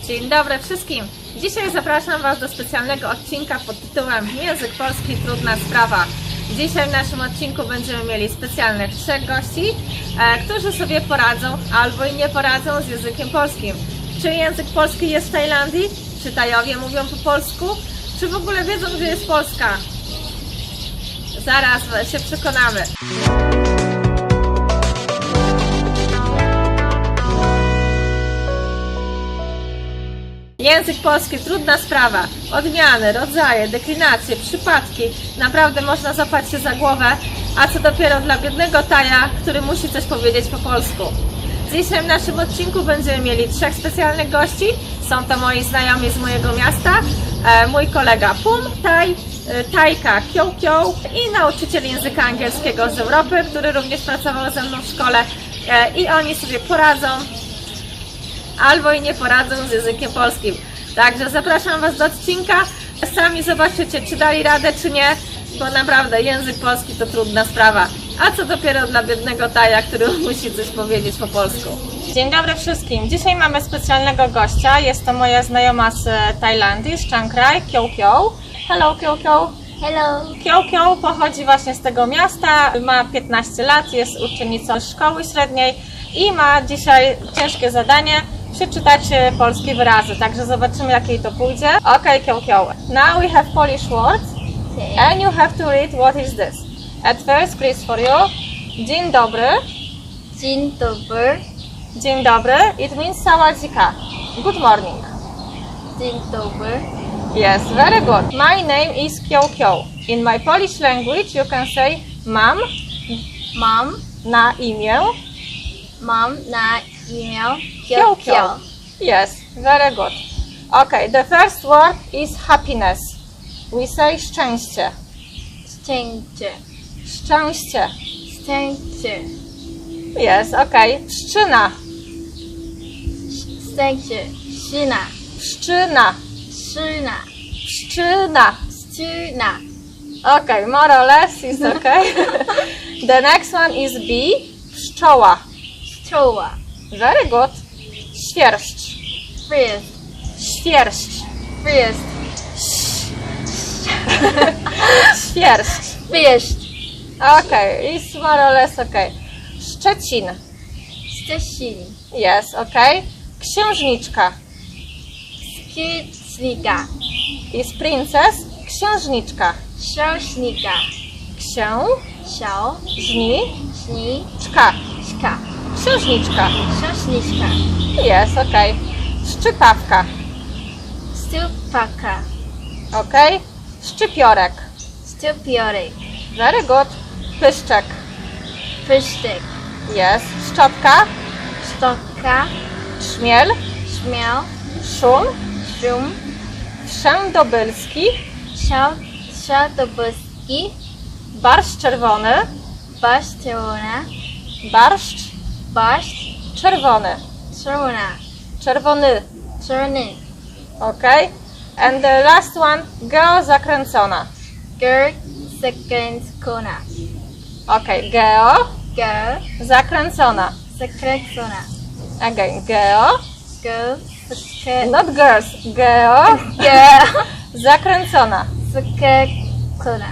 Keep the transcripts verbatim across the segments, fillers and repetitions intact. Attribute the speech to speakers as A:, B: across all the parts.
A: Dzień dobry wszystkim! Dzisiaj zapraszam Was do specjalnego odcinka pod tytułem Język polski trudna sprawa. Dzisiaj w naszym odcinku będziemy mieli specjalnych trzech gości, e, którzy sobie poradzą albo i nie poradzą z językiem polskim. Czy język polski jest w Tajlandii? Czy Tajowie mówią po polsku? Czy w ogóle wiedzą, gdzie jest Polska? Zaraz się przekonamy. Język polski trudna sprawa. Odmiany, rodzaje, deklinacje, przypadki. Naprawdę można złapać się za głowę, a co dopiero dla biednego Taja, który musi coś powiedzieć po polsku. Dzisiaj w naszym odcinku będziemy mieli trzech specjalnych gości. Są to moi znajomi z mojego miasta, e, mój kolega Pum, Taj, e, Tajka Kio Kio i nauczyciel języka angielskiego z Europy, który również pracował ze mną w szkole e, i oni sobie poradzą albo i nie poradzą z językiem polskim. Także zapraszam Was do odcinka. Sami zobaczycie, czy dali radę, czy nie, bo naprawdę język polski to trudna sprawa. A co dopiero dla biednego Taja, który musi coś powiedzieć po polsku. Dzień dobry wszystkim. Dzisiaj mamy specjalnego gościa. Jest to moja znajoma z Tajlandii, z Chiang Rai, Kio Kio. Hello Kio Kio.
B: Hello.
A: Kio Kio pochodzi właśnie z tego miasta, ma piętnaście lat, jest uczennicą szkoły średniej i ma dzisiaj ciężkie zadanie przeczytać polskie wyrazy, także zobaczymy, jak jej to pójdzie. Ok, Kio Kio. Now we have Polish words and you have to read what is this. At first, please for you. Dzień dobry.
B: Dzień dobry.
A: Dzień dobry. It means sawadika. Good morning.
B: Dzień dobry.
A: Yes, very good. My name is Kio Kio. In my Polish language you can say mam.
B: Mam.
A: Na imię.
B: Mam na imię
A: Kio Kio. Yes, very good. Okay, the first word is happiness. We say szczęście.
B: Szczęście.
A: Szczęście.
B: Szczęście.
A: Yes, okay. Pszczyna.
B: Szczęście. Szyna.
A: Pszczyna.
B: Szyna.
A: Pszczyna.
B: Szyna.
A: Okay, more or less is okay. The next one is bee. Pszczoła.
B: Pszczoła.
A: Very good. Świerszcz.
B: Fryst.
A: Świerszcz.
B: Fryst.
A: Świerszcz.
B: Fryst.
A: Okay, it's more or less okay. Szczecin.
B: Szczecin.
A: Yes, okay. Księżniczka.
B: Księżnika.
A: Is princess. Księżniczka.
B: Księżnika.
A: Księżniczka.
B: Księżniczka.
A: Księżniczka.
B: Księżniczka.
A: Yes, okay. Szczypawka.
B: Stupaka.
A: Okay. Szczypiorek.
B: Stupiorek.
A: Very good. Pyszczek.
B: Pyszczek.
A: Yes. Szczotka.
B: Sztoka.
A: Trzmiel.
B: Śmiał.
A: Szum.
B: Szum.
A: Wszędobylski.
B: Siadobylski.
A: Barszcz czerwony.
B: Barszcz czerwona.
A: Barszcz
B: Barszcz
A: czerwony.
B: czerwona.
A: Czerwony.
B: Czerwony.
A: Okay. And the last one. Geo zakręcona.
B: Girl zakręcona.
A: Okay. Geo
B: Girl
A: zakręcona.
B: zakręcona.
A: Again. Geo.
B: Girl zakręcona.
A: Not girls. Geo
B: Girl
A: zakręcona.
B: zakręcona.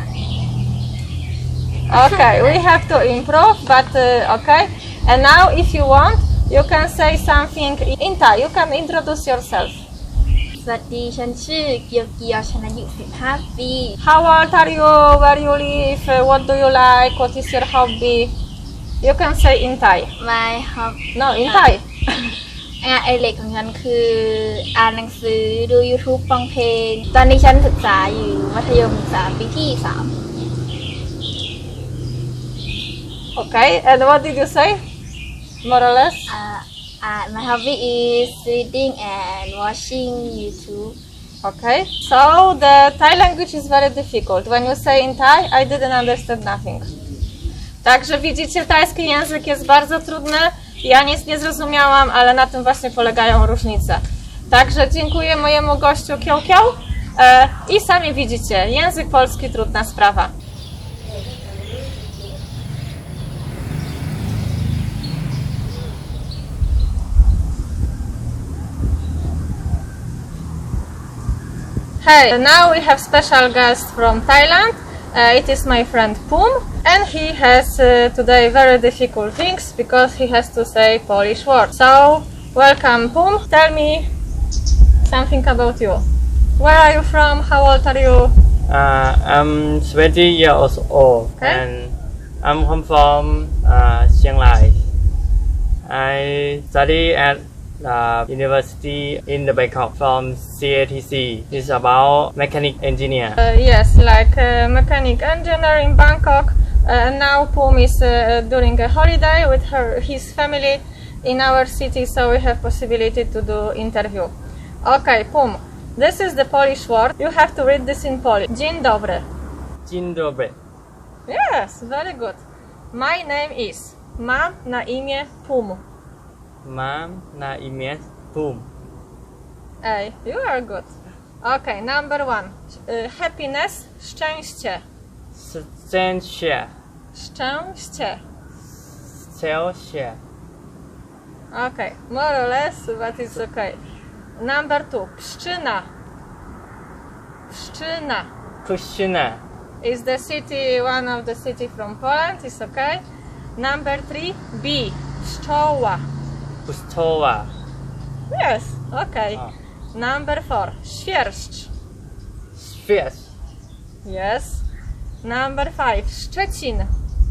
A: Okay, we have to improve, but uh, okay. And now, if you want, you can say something in Thai. You can introduce yourself.
B: สวัสดีฉันชื่อเกียวเกียวฉันอายุสิบห้าปี
A: How old are you? Where you live? Uh, What do you like? What is your hobby? You can say in Thai.
B: My hobby
A: No, in Thai.
B: งานอดิเรกของฉันคืออ่านหนังสือดู YouTube ฟังเพลง ตอนนี้ฉันศึกษาอยู่มัธยมศึกษาปีที่สาม
A: Okay, and what did you say? More or less?
B: Uh, uh, my hobby is reading and watching YouTube.
A: Okay. So the Thai language is very difficult. When you say in Thai, I didn't understand nothing. Także widzicie, tajski język jest bardzo trudny. Ja nic nie zrozumiałam, ale na tym właśnie polegają różnice. Także dziękuję mojemu gościu Kio Kio. E, I sami widzicie, język polski trudna sprawa. Hey, now we have special guest from Thailand. Uh, it is my friend Pum, and he has uh, today very difficult things because he has to say Polish words. So, welcome Pum. Tell me something about you. Where are you from? How old are you?
C: Uh, I'm twenty years old
A: Okay.
C: and I'm come from uh, Chiang Rai. I study at the university in the Bangkok from C A T C. It's about mechanic engineer.
A: Uh, yes, like uh, mechanic engineer in Bangkok. Uh, now Pum is uh, during a holiday with her, his family in our city, so we have possibility to do interview. Okay, Pum, this is the Polish word. You have to read this in Polish. Dzień dobry.
C: Dzień dobry.
A: Yes, very good. My name is. Mam na imię Pum.
C: Mam na imię Pum.
A: Ej, you are good. Okay, number one. Uh, happiness, szczęście.
C: Szczęście.
A: Szczęście.
C: Szczęście.
A: Okay, more or less, but it's okay. Number two. Pszczyna. Pszczyna
C: Puszczyna.
A: is the city, one of the city from Poland. It's okay. Number three. B. Pszczoła.
C: Pustowa.
A: Yes, okay.
C: Ah.
A: Number four. Świerszcz.
C: Śwież.
A: Yes. Number five. Szczecin.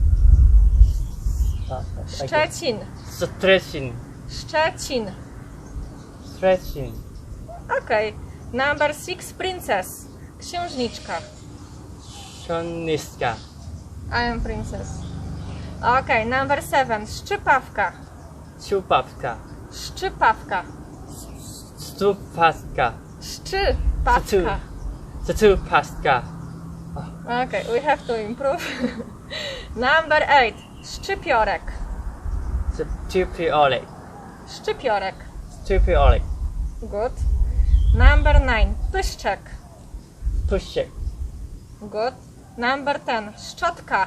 A: Szczecin.
C: Szczecin.
A: Szczecin.
C: Szczecin.
A: Okay. Number six. Princess. Księżniczka.
C: Księżniczka.
A: I am princess. Okay. Number seven. Szczypawka.
C: Czupawka.
A: Szczypawka.
C: Stupaska.
A: Szczypawka.
C: Stupaska.
A: Okay, we have to improve. Number eight. Szczypiorek.
C: Stupiolek.
A: Szczypiorek.
C: Stupiolek.
A: Good. Number nine. Pyszczek.
C: Puszek.
A: Good. Number ten. Szczotka.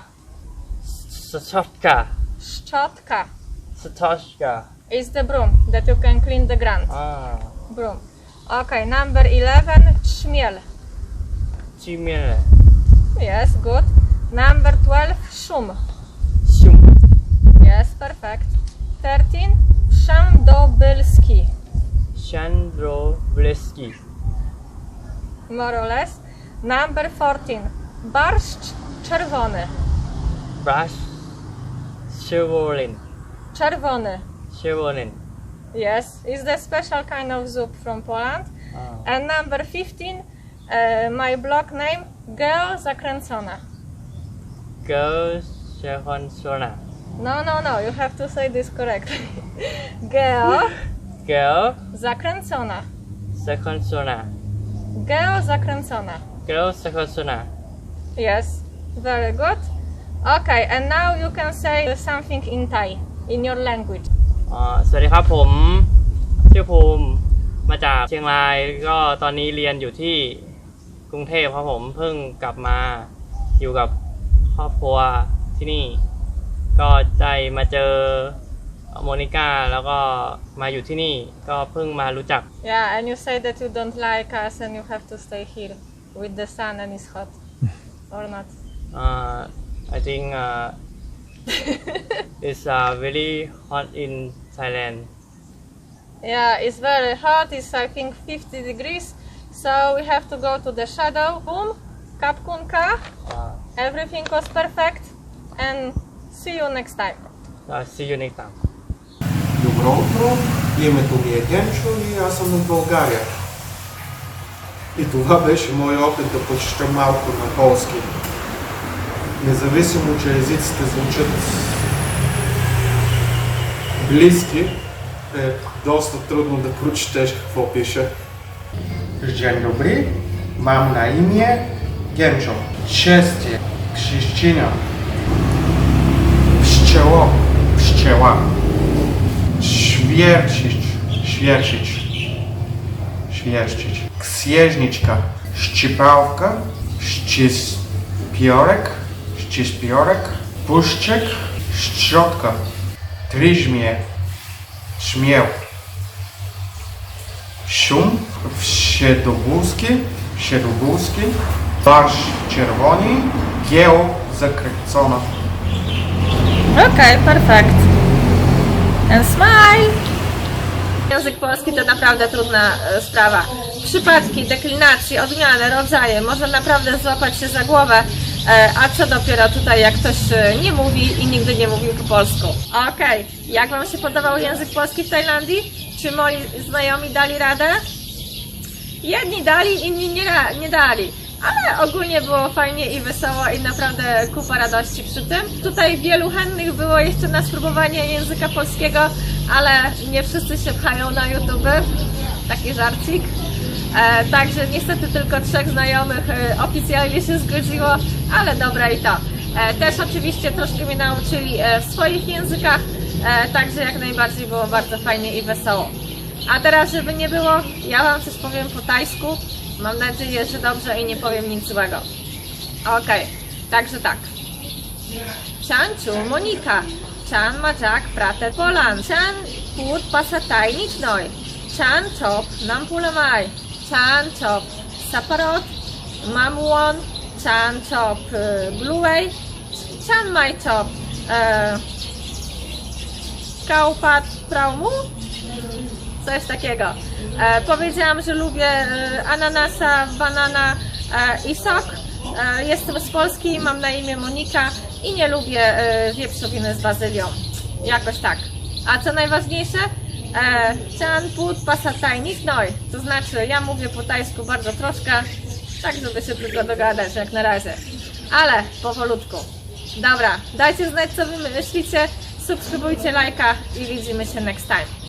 C: Stoczka.
A: Szczotka
C: Stoczka.
A: is the broom that you can clean the ground.
C: Ah.
A: Broom. Okay, number eleven. Trzmiel.
C: Cimiele.
A: Yes, good. Number twelve. Szum.
C: Sium.
A: Yes, perfect. thirteen. Wszędobylski.
C: Shandrobleski.
A: More or less. Number fourteen. Barszcz czerwony.
C: Brush. Chevolin.
A: Czerwony.
C: Chevolin.
A: Yes, it's the special kind of soup from Poland.
C: Ah.
A: And number fifteen. Uh, my blog name. Girl zakręcona.
C: Girl Shehonsona.
A: No, no, no, you have to say this correctly. Girl
C: Girl
A: zakręcona.
C: Shehonsona.
A: Girl zakręcona.
C: Girl Shehonsona.
A: Yes, very good. Okay, and now you can say something in Thai, in your language.
C: อ่าสวัสดีครับผมชื่อภูมิมาจากเชียงรายก็ตอนนี้เรียนอยู่ที่กรุงเทพครับผมเพิ่งกลับมาอยู่กับครอบครัวที่นี่ ก็ได้มาเจอโมนิก้าแล้วก็มาอยู่ที่นี่ก็เพิ่งมารู้จัก
A: Yeah, and you say that you don't like us and you have to stay here with the sun and it's hot, or not?
C: อ่า I think uh, it's uh, very hot in Thailand.
A: Yeah, it's very hot. It's I think fifty degrees. So we have to go to the shadow. Boom, kapkunka.
C: อ่า
A: Everything was perfect. And see you next time.
C: uh, see you next time.
D: Добро утро, името ми е Генчо и аз съм от България. И това беше мой опит да почета малко на полски. Независимо, че езиците звучат близки, е доста трудно да прочетеш какво пише. Dzień dobry, mam na imię Gencho. Szczęście, Krzyszczyna. Pszczoło, pszczoła. Świercić, świercić, świercić. Księżniczka, szczypałka, szczyspiorek, szczyspiorek, puszczek, szczotka, tryżmie, trzmiel. Szum, wsiedobózki, siedlugórski, barszcz czerwony, kieł zakręcona.
A: Okej, perfekt. And smile! Język polski to naprawdę trudna e, sprawa. Przypadki, deklinacje, odmiany, rodzaje, można naprawdę złapać się za głowę, e, a co dopiero tutaj jak ktoś e, nie mówi i nigdy nie mówił po polsku. Okej, jak Wam się podobał język polski w Tajlandii? Czy moi znajomi dali radę? Jedni dali, inni nie, ra- nie dali. Ale ogólnie było fajnie i wesoło i naprawdę kupa radości przy tym. Tutaj wielu chętnych było jeszcze na spróbowanie języka polskiego, ale nie wszyscy się pchają na YouTube. Taki żarcik. E, także niestety tylko trzech znajomych e, oficjalnie się zgodziło, ale dobra i to. E, też oczywiście troszkę mnie nauczyli e, w swoich językach, e, także jak najbardziej było bardzo fajnie i wesoło. A teraz, żeby nie było, ja Wam coś powiem po tajsku. Mam nadzieję, że dobrze i nie powiem nic złego. Okej, także tak. Cianciu, Monika. Cian Majak Prate Polan. Cian Put Pasataj Nichnoj. Cian Chop Nampulamaj. Cian Chop Saparot. Mamuon. Cian Chop Bluey. Cian Mai Chop Kaupat Praumu. Coś takiego. E, powiedziałam, że lubię e, ananasa, banana e, i sok. E, jestem z Polski, mam na imię Monika i nie lubię e, wieprzowiny z bazylią. Jakoś tak. A co najważniejsze? Chan put pasataj nichnoj. To znaczy, ja mówię po tajsku bardzo troszkę, tak żeby się tylko dogadać jak na razie. Ale powolutku. Dobra, dajcie znać co wy myślicie, subskrybujcie, lajka i widzimy się next time.